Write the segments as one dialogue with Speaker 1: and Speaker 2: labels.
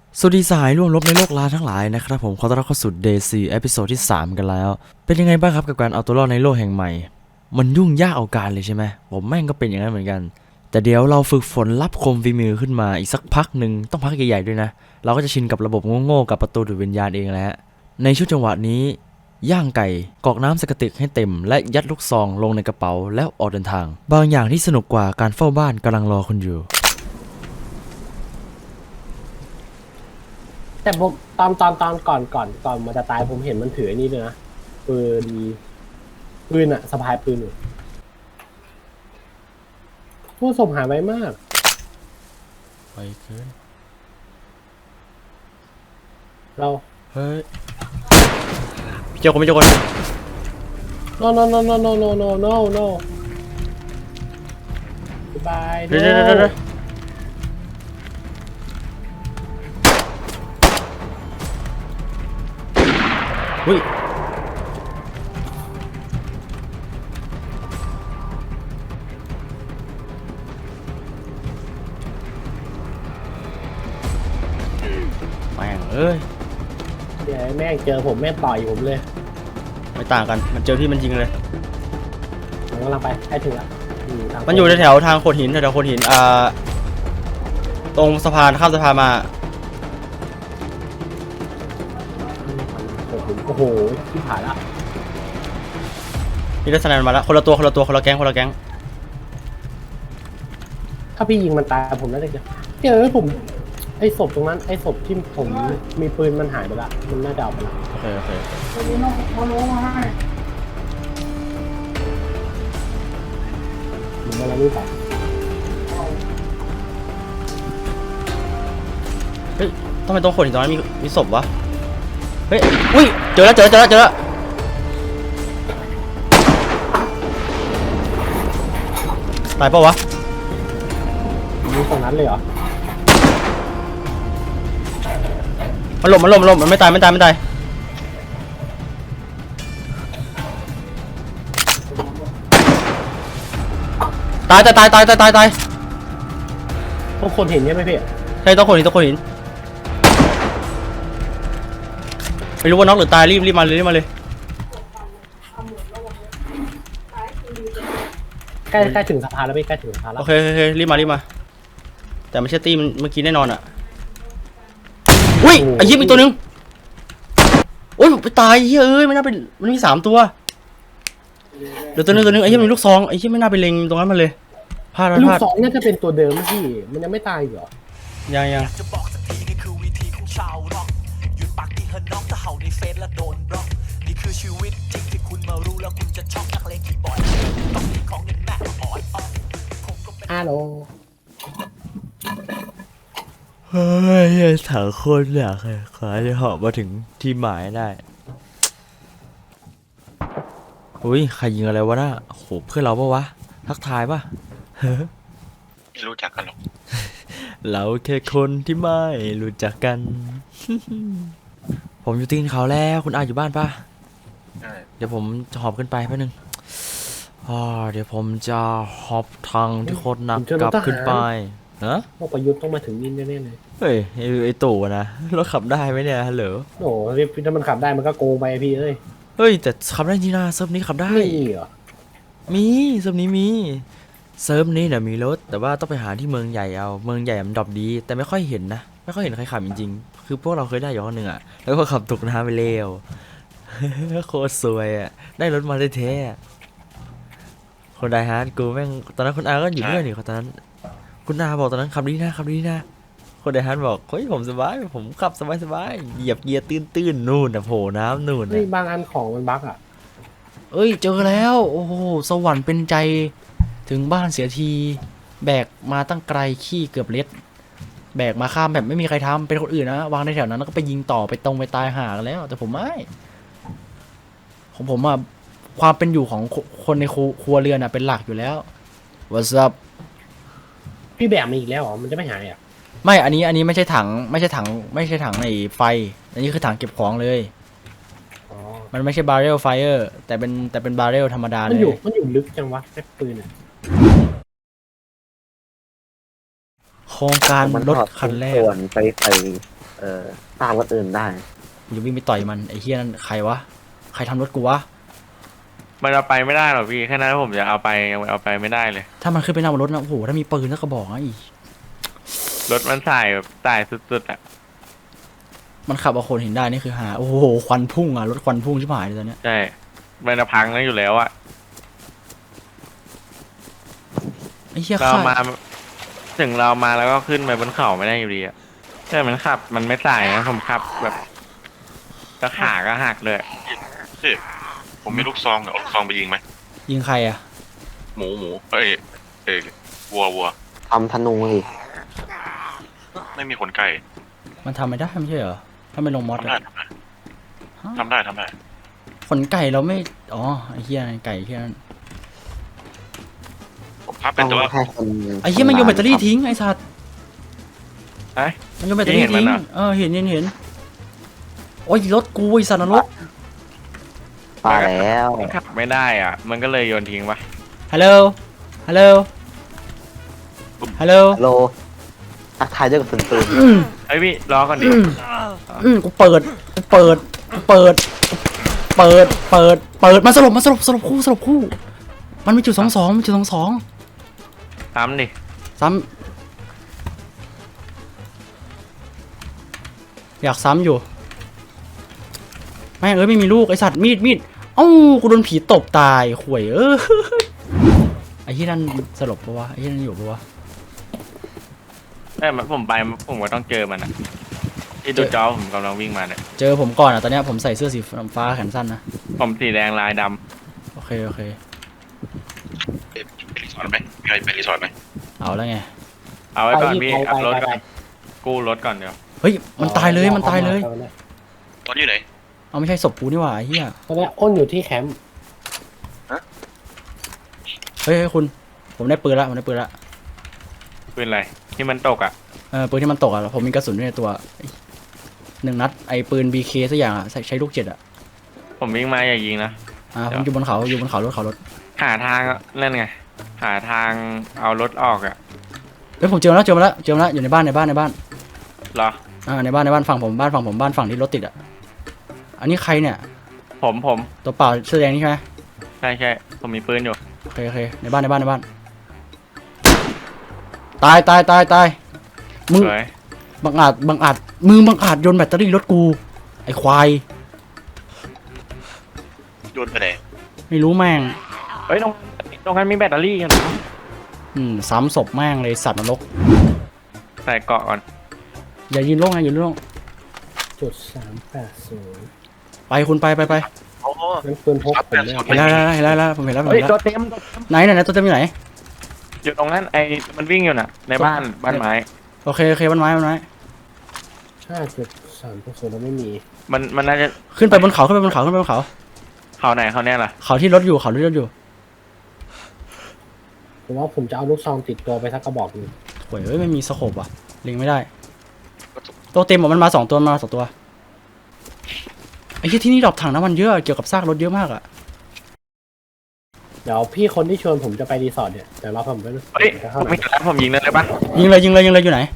Speaker 1: สวัสดีสหายร่วมรบในโลกล้าทั้งหลายนะครับผมขอต้อนรับเข้าสู่ Day 4 เอพิโซดที่ 3 กันแล้วเป็นยังไงบ้างครับกับการเอาตัวรอดในโลกแห่งใหม่มันยุ่งยากเอาการเลยใช่ไหมผมแม่งก็เป็นอย่างนั้นเหมือนกันแต่เดี๋ยวเราฝึกฝนรับคมฝีมือขึ้นมาอีกสักพักหนึ่งต้องพักใหญ่ๆด้วยนะเราก็จะชินกับระบบโง่ๆกับประตูดูดวิญญาณเองแล้วในช่วงจังหวะนี้ย่างไก่กรอกน้ำใส่กระติกให้เต็มและยัดลูกซองลงในกระเป๋าแล้วออกเดินทางบางอย่างที่สนุกกว่าการเฝ้าบ้านกำลังรอคุณอยู่
Speaker 2: แต่ผมตอนก่อนมันจะตายผมเห็นมันถือไอ้นี่เลยนะปืนอะสะพายปืนอยู่พวกศพหายไวมาก
Speaker 1: ไปเกิน
Speaker 2: เรา
Speaker 1: เฮ้ยพี่เจ้าคนพี่เจ้าคน
Speaker 2: no goodbye
Speaker 1: เดี๋ยวอุ้ยแม่งเอ้ย
Speaker 2: เดี๋ยวแม่งเจอผมแม่งต่อยผมเลย
Speaker 1: ไม่ต่างกันมันเจอพี่มันยิงเลย
Speaker 2: ผมกำลังไปใกล้ถึงละ
Speaker 1: มันอยู่แถวทางโขดหินแถวโขดหินตรงสะพานข้ามสะพานมา
Speaker 2: โอ้โหที่ผ่านละ
Speaker 1: นี่ได้สแนนมาแล้วคนละตัวคนละแก๊ง
Speaker 2: ถ้าพี่ยิงมันตายผมน่าจะเจอผมไอ้ศพตรงนั้นไอ้ศพที่ผมมีปืนมันหายไปละมันน่าจะเอาไปละ
Speaker 1: โอเค
Speaker 2: มันมาแล้วนี่ไป
Speaker 1: เฮ้ยทำไมตรงโขดหินตรงนั้นมีศพวะเฮ้ยอุ้ยเจอแล้วตายเปล่าวะ
Speaker 2: มีตรงนั้นเลยเหรอ
Speaker 1: มันหลบมันไม่ตายตาย
Speaker 2: พวกคนเห็นใช่ไหมพี่
Speaker 1: ใช่ต้องโขดหินไม่รู้ว่าน็อกหรือตายรีบมาเลย
Speaker 2: ใกล้ถึงสะพานแล้วพี่ใกล้ถึงสะพานแล้ว
Speaker 1: โอเครีบมาแต่ไม่ใช่ตีมันเมื่อกี้แน่นอนอ่ะอุ้ยไอ้เหี้ยมีตัวนึงโอ้ยไปตายเฮ้ยไม่น่าเป็นมันมี3ตัวเดี๋ยวตัวนึงไอ้เหี้ยมีลูกซองไอ้เหี้ยไม่น่าไปเล็งตรงนั้นมันเลยพลาด
Speaker 2: ลูกสองน่าจะเป็นตัวเดิมพี่มันยังไม่ตายเหรอ
Speaker 1: ยัง
Speaker 3: จะบอกสักทีนี่คือวิธีของชาวร็อกหยุดปากดีเฮน้องถ้าเห่าในเฟซแล้วโดนบล็อกนี่คือชีวิตจริงที่คุณมารู้แล้วคุณจะช็อกนักเลงคีย์บอร์ดต้องมีของเงินแม่อ่อน
Speaker 2: ฮัลโหล
Speaker 1: เฮ้ยถังคนอยากเลยขอให้เหาะมาถึงที่หมายได้อุ้ยใครยิงอะไรวะน่ะโหเพื่อนเราปะวะทักทายปะ
Speaker 4: ไม่รู้จักกันหรอก
Speaker 1: เราแค่คนที่ไม่รู้จักกัน ผมอยู่ตีนเขาแล้วคุณอาอยู่บ้านปะเดี๋ยวผมจะหอบขึ้นไปแป๊บนึงเดี๋ยวผมจะหอบทางที่โคตรหนักกลับขึ้นไปนะ
Speaker 2: พวกประยุทธ์ต้องมาถึงนี่แน่ๆเลย
Speaker 1: เฮ้ยไอ้ตู่นะรถขับได้ไหมเนี่ยฮัลโหล
Speaker 2: โอ้พี่ถ้ามันขับได้มันก็โกงไปพี่เอ้ย
Speaker 1: เฮ้ยแต่ขับได้จริงนะเซิร์ฟนี้ขับได้
Speaker 2: ไม่เหรอ
Speaker 1: มีเซิร์ฟนี้มีเซิร์ฟนี้เนี่ยมีรถแต่ว่าต้องไปหาที่เมืองใหญ่เอาเมืองใหญ่มันดรอปดีแต่ไม่ค่อยเห็นนะไม่ค่อยเห็นใครขับจริงๆคือพวกเราเคยได้อยู่คนหนึ่งอะแล้วก็ขับตกน้ำไปเร็ว โคตรสวยอะได้รถมาได้แท้คนไดฮาร์ดกูแม่งตอนนั้นคุณอาก็อยู่ด้วยนี่ตอนนั้นคุณอาบอกตอนนั้นขับดีนะคนไดฮาร์ดบอกเฮ้ยผมสบายผมขับสบายเหยียบเกียร์ตื้นนู่นนะโผล่น้ำนู่น
Speaker 2: นี่บางอันของมันบั๊กอ่ะ
Speaker 1: เอ้ยเจอแล้วโอ้โหสวรรค์เป็นใจถึงบ้านเสียทีแบกมาตั้งไกลขี้เกือบเล็ดแบกมาข้ามแบบไม่มีใครทำเป็นคนอื่นนะวางในแถวนั้นแล้วก็ไปยิงต่อไปตรงไปตายห่ากันแล้วแต่ผมไม่ของผมอะความเป็นอยู่ของคนในครัวเรือนอะเป็นหลักอยู่แล้ว What's up
Speaker 2: พี่แบกมาอีกแล้วเหรอมันจะไม่หายอ่ะ
Speaker 1: ไม่อันนี้ไม่ใช่ถังไอ้ไฟอันนี้คือถังเก็บของเลยมันไม่ใช่บาร์เรลไฟเออร์แต่เป็นบาร์เรลธรรมดาเลย
Speaker 2: มันอยู่ลึกจังวะแค่ปืนอะ
Speaker 1: โครงการรถคันแรก
Speaker 4: ส่วนไปใส่
Speaker 5: ตามคนอื่นได้
Speaker 1: กูจะวิ่งไปต่อยมันไอ้เฮียนั่นใครวะใครทำรถกูวะ
Speaker 4: มันเอาไปไม่ได้หรอกพี่แค่นั้นผมจะเอาไปยังเอาไปไม่ได้เลย
Speaker 1: ถ้ามันขึ้นไปนั่งบนรถนะโอ้โหถ้ามีปืนสักกระบอกนะอี
Speaker 4: รถมันสายแบบสายสุดๆอ่ะ
Speaker 1: มันขับเอาคนเห็นได้นี่คือหาโอ้โหควันพุ่งอ่ะรถควันพุ่งชิบหายเลยตอนเนี้ย
Speaker 4: ใช่มันจะพังแล้วอยู่แล้วอ่ะ
Speaker 1: ไอ้เฮีย
Speaker 4: เรา
Speaker 1: ฆ่า
Speaker 4: มาถึงเรามาแล้วก็ขึ้นไปบนเขาไม่ได้อยู่ดีอ่ะใช่มันขับมันไม่สายนะผมขับแบบกระขาก็หักเลย
Speaker 6: พี่ผมมีลูกซองเดี๋ยวเอาลูกซองไปยิงไหม
Speaker 1: ยิงใครอ่ะ
Speaker 6: หมูเอ้ยวัว
Speaker 5: ทำธนูสิ
Speaker 6: ไม่มีขนไก่
Speaker 1: มันทำไม่ได้ไม่ใช่เหรอถ้าไม่ลงมอส
Speaker 6: ทำได้
Speaker 1: อะ
Speaker 6: ทำได้ทำได้
Speaker 1: ขนไก่เราไม่อ๋อไอ้เฮียไก่เฮียนั่น
Speaker 6: ผมพับ
Speaker 5: ต้
Speaker 6: เป็
Speaker 5: อน ง
Speaker 6: ตัว
Speaker 5: ให้คน
Speaker 1: ไอ้เฮียมันโยนแบตเตอรี่ทิ้งไอ้สัตว์
Speaker 4: ไอ้
Speaker 1: มันโยนแบตเตอรี่
Speaker 4: เห็นมัน
Speaker 1: ทิ้ง
Speaker 4: อะ
Speaker 1: เห็นโอ้ยรถกูไอ้สัตว์นรก
Speaker 5: ตายแล้ว
Speaker 4: มันขับไม่ได้อ่ะ มันก็เลยโยนทิ้งปะ
Speaker 1: ฮัลโหลฮัลโหลฮัลโหล
Speaker 5: โลทักทายด้วยกระสุนปืน
Speaker 4: ไอ้ยพี่รอก่อนดิ
Speaker 1: กูเปิดมันสลบคู่ มันมีจุด22มีจุด22
Speaker 4: ทำดิ
Speaker 1: ซ้ำอยากซ้ำอยู่แม่งไม่มีลูกไอสัตว์มีดเอ้ากูโดนผีตบตายข่วยไอ้ที่นั่นสลบปะวะไอ้ที่นั่นอยู่ปะวะ
Speaker 4: ผมไปผมก็ต้องเจอมันอ่ะที่ดูจอผมกำลังวิ่งมาเนี่ย
Speaker 1: เจอผมก่อนอ่ะตอนเนี้ยผมใส่เสื้อสีฟ้าแขนสั้นนะ
Speaker 4: ผมสีแดงลายด
Speaker 1: โอเค
Speaker 6: ไปรีสอร์ทไหมมีใครไปรีสอร์ทไหม
Speaker 1: เอาแล้วไง
Speaker 4: ำเอาไว้ก่อนพี่
Speaker 2: ไป
Speaker 4: อัพรถ
Speaker 2: ไป
Speaker 4: ก่อนกู้รถก่อนเดี๋ยว
Speaker 1: เฮ้ยมันตายเลย
Speaker 6: ตอนอยู่ไหน
Speaker 1: เอาไม่ใช่ศพกูนี่หว่าไอ้เหี้ย
Speaker 2: ตอนนี้อ้นอยู่ที่แคมป์
Speaker 1: เฮ้ยคุณผมได้ปืนละ
Speaker 4: ปืนอะไรที่มันตกอ่ะ
Speaker 1: ปืนที่มันตกอ่ะผมมีกระสุนอยู่ในตัว1 นัดไอ้ปืน BK สักอย่างอ่ะใช้ลูก7อ่ะ
Speaker 4: ผมวิ่งมาอย่ายิงนะ
Speaker 1: ผมอยู่บนเขารถ
Speaker 4: หาทางนั่นไงหาทางเอารถออกอ่ะ
Speaker 1: เฮ้ยผมเจอมาแล้วอยู่ในบ้าน
Speaker 4: เหรอ
Speaker 1: ในบ้านฝั่งผมบ้านฝั่งที่รถติดอ่ะอันนี้ใครเนี่ย
Speaker 4: ผม
Speaker 1: ตัวเปล่าเสื้อแดงนี่ใช่ไหม
Speaker 4: ใช่ผมมีปืนอยู่
Speaker 1: โอเคในบ้านตายมึง
Speaker 4: สวย
Speaker 1: บังอาจมึงบังอาจโยนแบตเตอรี่รถกูไอ้ควาย
Speaker 6: โยนไปไหน
Speaker 1: ไม่รู้แม่ง
Speaker 4: เฮ้ยตรงนั้นมีแบตเตอรี่กันเหรอ
Speaker 1: ซ้ำศพแม่งเลยสัตว์นรก
Speaker 4: ใส่เกาะก่อน
Speaker 1: อย่ายืนโล่งนะอย่ายืนโล่ง
Speaker 2: จุด380
Speaker 1: ไปคุณไป
Speaker 6: โอ้
Speaker 2: นั่นปืนพกผมเนี่ย
Speaker 1: เห็นแล้วผมเห็นแล้ว
Speaker 4: เฮ้ยตัวเต็ม
Speaker 1: ไหนตัวเต็มอยู่ไหน
Speaker 4: อยู่ตรงนั้นมันวิ่งอยู่น่ะ ในบ้านไม้
Speaker 1: โอเคบ้านไม้
Speaker 2: 5.3%แล้วไม่มี
Speaker 4: มันน่าจะ
Speaker 1: ขึ้นไปบนเขาเขา
Speaker 4: ไหนเขาแน่ล่ะ
Speaker 1: เขาที่รถอยู่
Speaker 2: ผมว่าผมจะเอาลูกซองติดตัวไปสักกระบอกหนึง
Speaker 1: โอ้ยไม่มีสโคปอ่ะลิงไม่ได้ตัวเต็มมันมา2 ตัวไอ้ที่นี่ดรอปถังน้ำมันเยอะเกี่ยวกับซากรถเยอะมากอ่ะ
Speaker 2: เดี๋ยวพี่คนที่ชวนผมจะไปรีสอร์ทเนี่ยเดี๋ยวเราผมไป
Speaker 4: เฮ้ย
Speaker 2: จะเข้า
Speaker 4: ไม่
Speaker 2: ไหน
Speaker 4: แล้วผมยิงได้เลยปะ
Speaker 1: ยิงเลยอยู่ไหน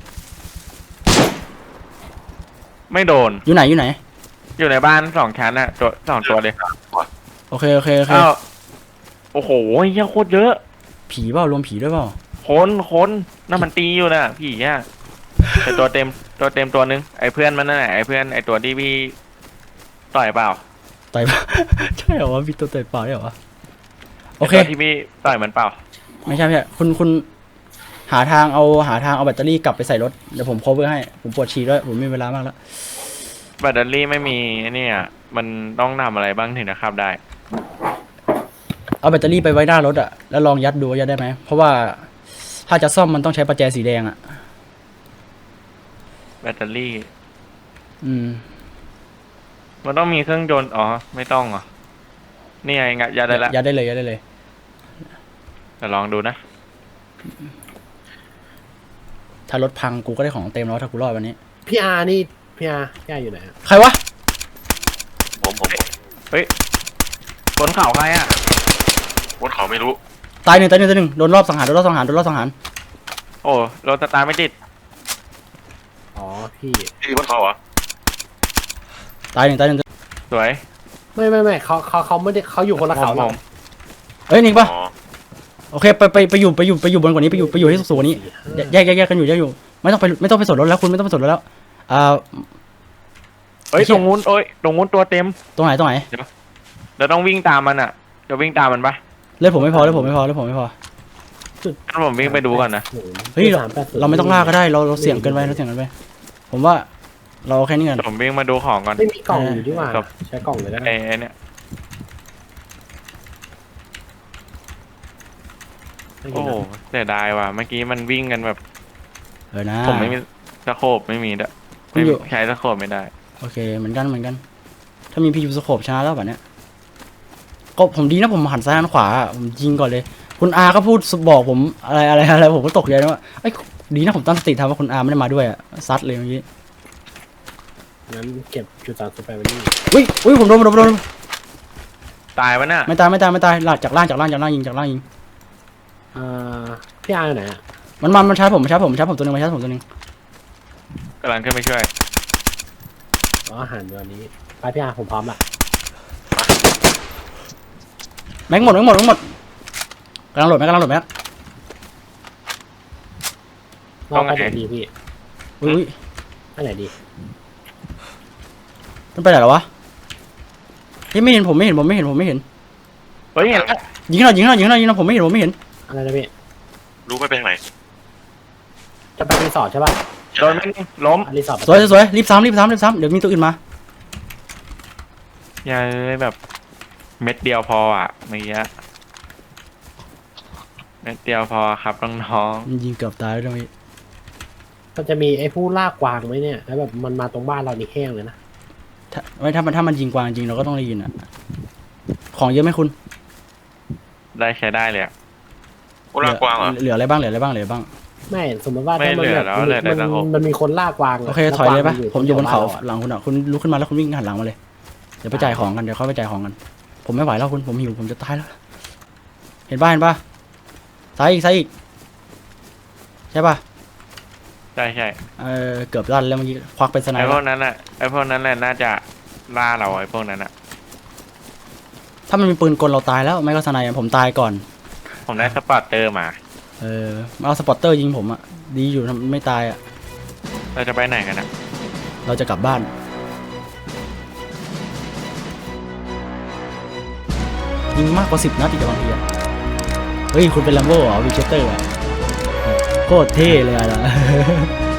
Speaker 4: ไม่โดน
Speaker 1: อยู่ไหน
Speaker 4: อยู่ในบ้าน2 ชั้นน่ะ2 ตัวเลย
Speaker 1: โอเค
Speaker 4: อ้าวโอ้โหเหี้ยโคตรเยอะ
Speaker 1: ผีเปล่ารวมผีด้วยเปล่า
Speaker 4: คนนั่นมันตีอยู่น่ะพี่อ่ะแต่ตัวเต็มตัวนึงไอ้เพื่อนมันนั่นแหละไอ้เพื่อนไอ้ตัวที่พี่ต่อยเปล่า
Speaker 1: ต่อยปะ ใช่เหรอวะมีตัวต่อยเปล่าได้เหรอวะโอเค
Speaker 4: ไตัวที่พี่ต่อยมันเปล่า
Speaker 1: ไม่ใช่คุณหาทางเอาแบตเตอรี่กลับไปใส่รถเดี๋ยวผม cover ให้ผมปวดฉี่ด้วยผมไม่มีเวลามากแล้ว
Speaker 4: แบตเตอรี่ไม่มีไอ้เนี่ยมันต้องทำอะไรบ้างถึงจะขับได้
Speaker 1: เอาแบตเตอรี่ไปไว้หน้ารถอะแล้วลองยัดดูว่ายัดได้ไหมเพราะว่าถ้าจะซ่อมมันต้องใช้ประแจสีแดงอะ
Speaker 4: แบตเตอรี่ มันต้องมีเครื่องยนต์อ๋อไม่ต้องเหรอนี่ไงงะยัดได้ละ
Speaker 1: ยัดได้เลย
Speaker 4: แต่ลองดูนะ
Speaker 1: ถ้ารถพังกูก็ได้ของเต็มแล้วถ้ากูรอดวันนี้
Speaker 2: พี่อาร์อยู่ไหนอะ
Speaker 1: ใครวะ
Speaker 6: ผม
Speaker 4: เฮ้ยบนเขาใครอ่ะ
Speaker 6: บนเขาไม่รู้
Speaker 1: ตายหนึ่งโดนรอบสังหาร
Speaker 4: โอ้รถสตาร์ทไม่ติด
Speaker 2: อ๋อพี่
Speaker 6: ที่บนเขาเหรอ
Speaker 7: ตายหนึ่งตายหนึ่ง
Speaker 4: สวย
Speaker 2: ไม่เขาไม่ได้เขาอยู่คนละเขา
Speaker 4: ผ
Speaker 2: เรา
Speaker 4: ม
Speaker 7: เอ้ยนี่ปะ
Speaker 6: อ๋อ
Speaker 7: โอเคไปอยู่บนกว่านี้ไปอยู่ให้สูงกว่านี้แยกกันอยู่ไม่ต้องไปสนรถแล้วคุณไม่ต้องไปสนรถแล้ว
Speaker 4: เอ้ย
Speaker 7: ไอ้เหี้
Speaker 4: ต
Speaker 7: ย
Speaker 4: รงนู้นเอ้ยตรงนู้นตัวเต็ม
Speaker 7: ตรงไหน
Speaker 4: เราต้องวิ่งตามมันอ่ะจะวิ่งตามมันปะ
Speaker 7: เลือดผมไม่พอ
Speaker 4: งั้นผมวิ่งไปดูก่อนนะ
Speaker 7: เฮ้ยเราไม่ต้องล่าก็ได้เราเสี่ยงเกินไปผมว่าเราแค่นี้กัน
Speaker 4: ผมวิ่งมาดูของก่อน
Speaker 2: ไม่มีกล่องอยู่ดีกว่า
Speaker 4: ครับ
Speaker 2: ใช้กล่องเลยได้
Speaker 4: ไอ้เนี่ย โอ้โหเสียดายว่ะเมื่อกี้มันวิ่งกันแบบ
Speaker 7: นะ
Speaker 4: ผมไม่มีสโคปไม่มีด้วย
Speaker 7: คุณอยู่
Speaker 4: ใช้สโคปไม่ได้
Speaker 7: โอเคเหมือนกันถ้ามีพี่ยูสโคปชนะแล้วแบบเนี้ยก็ผมดีนะผมหันซ้ายหันขวาผมยิงก่อนเลย คุณอาก็พูดบอกผมอะไรผมก็ตกใจนะว่าไอ้ยดีนะผมตั้งสติทำว่าคุณอาไม่ได้มาด้วยอะซัดเลยเมื่อกี้
Speaker 2: งั้นเก็บจุดสามสุดไปวันนี้
Speaker 7: อุ้ยผมโดน
Speaker 4: ตายวะน่ะ
Speaker 7: ไม่ตายลากจากล่างยิง
Speaker 2: พี่อาร์อยู่ไหนอ่ะ
Speaker 7: มันชาร์จผมตัวหนึงตัวหนึง
Speaker 4: กำลังขึ้นไปช่วย
Speaker 2: อ๋ออาหารวันนี้ไปพี่อาร์ผมพร้อมละ
Speaker 7: แม็กหมดกำลังโหลดแม็ก
Speaker 2: เราไปไหนดีพี่
Speaker 7: อุ้ย
Speaker 2: ไปไหนดี
Speaker 7: มันไปไหนแล้ววะไม่เห็นผมไม่เห็น
Speaker 4: เฮ้ยเห็นแล้ว
Speaker 7: ยิงหน่อยผมไม่เห็น
Speaker 2: อะไรนะพี่
Speaker 6: รู้ไม่เป็นทางไหน
Speaker 2: จะไปรีสอร์ทใช่ป่ะ
Speaker 4: โดนมันล้ม
Speaker 2: รีสอร์ท
Speaker 7: สวยรีบซ้ำเดี๋ยวมีตัวอื่นมา
Speaker 4: อย่าเลยแบบ เม็ดเดียวพออ่ะเมื่อกี้เม็ดเดียวพอครับน้อง
Speaker 7: มันยิงเกือบตายแล้วตรงนี้
Speaker 2: มันจะมีไอ้ผู้ลากกวางไหมเนี่ยแล้วแบบมันมาตรงบ้านเรานี่แห้งเลยนะ
Speaker 7: ถ้ามันยิงกวางจริงเราก็ต้องได้ยินอะของเยอะไหมคุณ
Speaker 4: ๆได้ใช้ได้เลยอะ
Speaker 6: โอ้ลากกวางเหรอ
Speaker 7: เหลืออะไรบ้าง
Speaker 2: ไม่สมมติว่า
Speaker 4: ไม่
Speaker 2: ถ้ามัน
Speaker 4: เหลื
Speaker 2: แบ
Speaker 4: อบ แล้วเหลือแต่ตะขบ
Speaker 2: มันมีคนลากกวาง
Speaker 7: โอเคถอยเลยปะ
Speaker 2: แวกวาง
Speaker 7: ผมอยู่บนเขา
Speaker 2: แถว
Speaker 7: หลังคุณอะคุณลุกขึ้นมาแล้วคุณวิ่งหันหลังมาเลยเดี๋ยวไปจ่ายของกันผมไม่ไหวแล้วคุณผมหิวผมจะตายแล้วเห็นปะซ้ายอีกใช่ปะ
Speaker 4: ใช่
Speaker 7: เกือบลั่นแล้วเมื่อกี้ควักเป็นสไน
Speaker 4: ไอ้
Speaker 7: เป
Speaker 4: พ
Speaker 7: อ
Speaker 4: วก
Speaker 7: ร์
Speaker 4: นั้นอ่ะไอ้พวกนั้นแหละน่าจะล่าเราไอ้พวกนั้นอ่ะ
Speaker 7: ถ้ามันมีปืนกลเราตายแล้วไม่ก็สไนป์ผมตายก่อน
Speaker 4: ผมได้สปอร์ตเตอร์มา
Speaker 7: มาเอาสปอตเตอร์ยิงผมอะดีอยู่ไม่ตายอะ
Speaker 4: เราจะไปไหนกันอ่ะ
Speaker 7: เราจะกลับบ้าน ยิงมากกว่า10 นัดอีกบางทีอะเฮ้ยคุณเป็นแลมโบ้เหรอวิเชสเตอร์อะโคตรเท่เลยอะ